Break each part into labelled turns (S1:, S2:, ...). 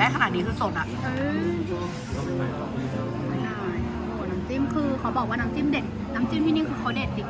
S1: ขนาดนี้คือสดอ่ะ
S2: ไม่ได้โอ้น้ำจิ้มคือเขาบอกว่าน้ำจิ้มเด็ดน้ำจิ้มที่นี่คือเขาเด็ดจริง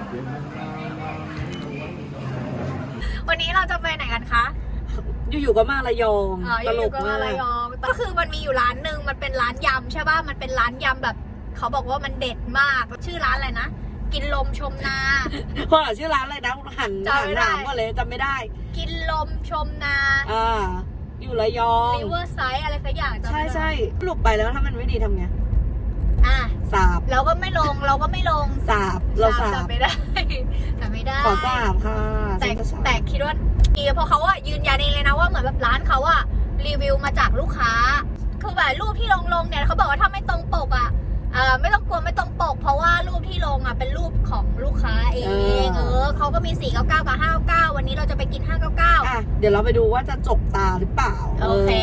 S2: วันนี้เราจะไปไหนกันคะ
S1: อยู่ๆก็มาระยองตลกมาก
S2: ระยองก็คือมันมีอยู่ร้านหนึ่งมันเป็นร้านยำใช่ป่ะมันเป็นร้านยำแบบเขาบอกว่ามันเด็ดมากชื่อร้านอะไรนะกินลมชมนา
S1: เพราะชื่อร้านอะไรนะหันถามว่าเลยจำไม่ได้
S2: กินลมชมนา
S1: อยู่ระยอง
S2: ริเวอร์ไซด์อะไรสักอย่าง
S1: ใช่หลุดไปแล้วถ้ามันไม่ดีทำไงสาบ
S2: เราก็ไม่ลง
S1: สาบเราสาบ
S2: ไม่ได้แต่ไม่ได้
S1: ขอสาบค่ะ
S2: แต่คิดว่าดีเพราะเขาอะยืนยันเองเลยนะว่าเหมือนแบบร้านเขาอะรีวิวมาจากลูกค้าคือแบบรูปที่ลงเนี่ยเขาบอกว่าถ้าไม่ตรงปกอะไม่ต้องกลัวไม่ตรงปกเพราะว่ารูปที่ลงอะเป็นรูปของลูกค้าเองเขาก็มี499กับ599วันนี้เราจะไปกิน599
S1: เดี๋ยวเราไปดูว่าจะจบตาหรือเปล่า
S2: โอเค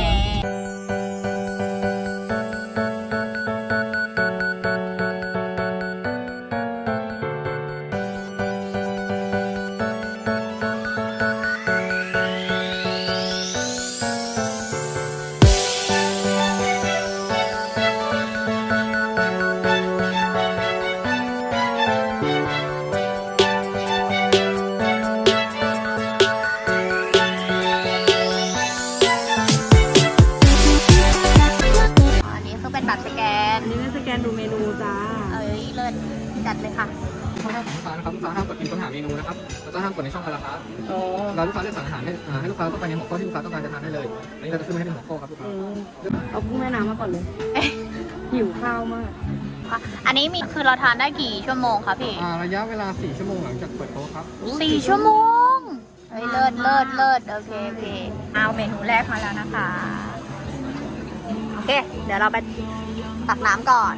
S1: ดูเมนูจ้า
S2: เลิศจัดเลยค่ะ
S3: ข้อห้ามของลูกค้านะครับลูกค้าห้ามกดพิมพ์ค้นหาเมนูนะครับแล้วก็ห้ามกดในช่องพาราครับเราลูกค้าเลือกสั่งอาหารให้ลูกค้าเข้าไปในหัวข้อที่ลูกค้าต้องการจะทานได้เลยอันนี้เราจะขึ้นมาให้เป็นหัวข้อครับลูกค้า
S1: เอากุ้งแม่น้ำมาก่อนเลยหิวข้าวมาก
S2: อันนี้มีคือเราทานได้กี่ชั่วโมงคะพี่
S3: ระยะเวลา4 ชั่วโมงหลังจากเปิดโต๊ะครับ
S2: 4 ชั่วโมงเลิศโอเคเอาเมนูแรกมาแล้วนะคะโอเคเดี๋ยวเราไปตักน้ำก่อน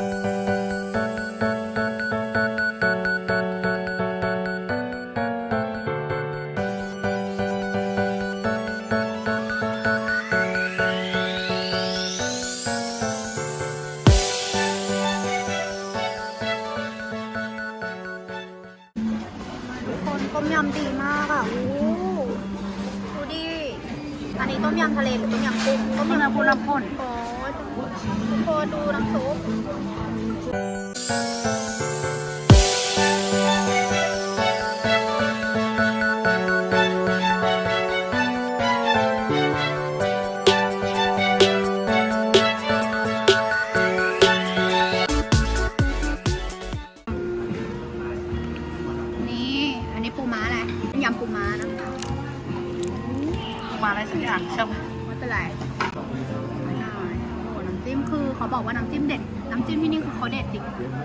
S2: คนต้มยำดีมากอ่ะดูดิอันนี้ต้มยำทะเลหรือต้มยำกุ้ง
S1: ต้มยำปูน้ำข้น
S2: ทุกคนดูน้ำซุปนี่อันนี้ปูม้าอะไรยำปูม้านะคะ
S1: ปูม้าอะไรสักอย่างใช่ไหม
S2: ไม่เป็นไรน้ำจิ้มคือเขาบอกว่าน้ำจิ้มเด็ดน้ำจิ้มที่นี่คือเขาเด็ดจริง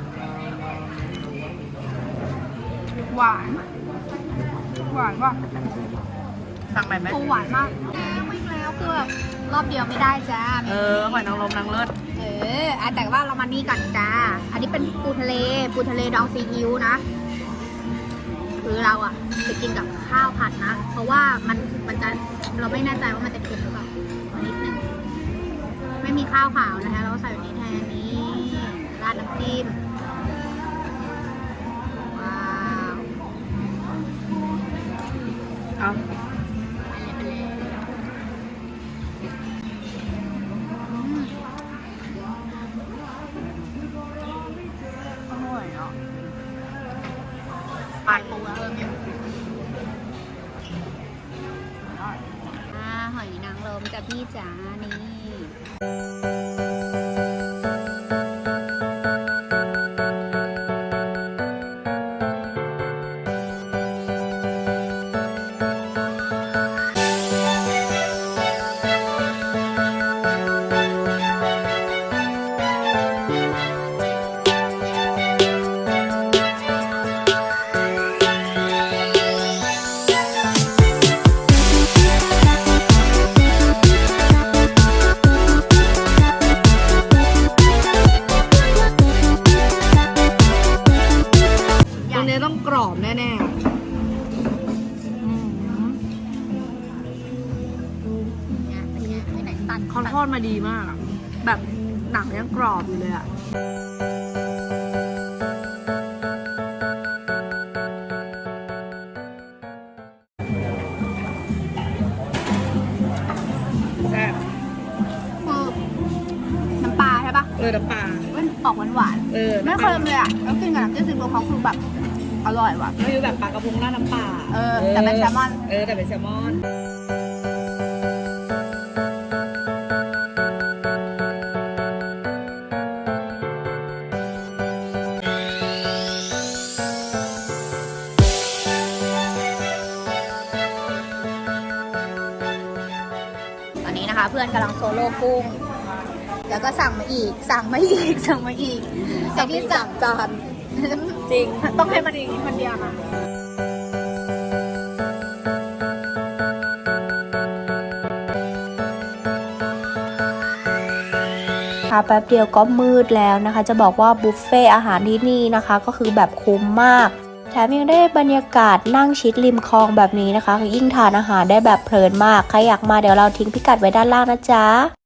S2: หวานว่ะ
S1: สั่งใหม่ไหม
S2: หวานมากแล้วคือแบบรอบเดียวไม่ได้จ้า
S1: หอยนางรมนางเลิศ
S2: แต่ว่าเรามานี่กันจ้าอันนี้เป็นปูทะเลดองซีอิ๊วนะคือเราอะจะกินกับข้าวผัดนะเพราะว่ามันจะเราไม่แน่ใจว่ามันจะเค็มหรือเปล่านิดนึงไม่มีข้าวขาวนะคะเราใส่แบบนี้แทนนี้ราดน้ำจิ้มว้าว
S1: เอา
S2: ไปเลยอร่อยอ่ะปลาปูเนี่ยหอยนางรมกับพี่จ๋านี่
S1: ต้องกรอบแน่ๆเขาทอดมาดีมากแบบหนังยังกรอบอยู่เลยอ่ะแซ่บน้ำปลา
S2: มันออกหวาน ไม่เค็มเลยอ่ะแล้วกินกับน้ำจิ้มซีฟู้ดเขาคือแบบอร่อยว่ะ
S1: ไม่รู้แบบปลากระพงราดน้ำปลา
S2: แต่เป็นแซลมอน
S1: แต่เป็นแซลมอน
S2: ตอนนี้นะคะ เพื่อนกำลังโซโล่กุ้งแล้วก็สั่งมาอีกแต่ที่สั่ง
S1: จานจริง
S2: ต้องให้มันอีกคนเดียวนะ
S4: แป๊บเดียวก็มืดแล้วนะคะ จะบอกว่าบุฟเฟ่อาหารที่นี่นะคะก็คือแบบคุ้มมากแถมยังได้บรรยากาศนั่งชิดริมคลองแบบนี้นะคะคือยิ่งทานอาหารได้แบบเพลินมากใครอยากมาเดี๋ยวเราทิ้งพิกัดไว้ด้านล่างนะจ๊ะ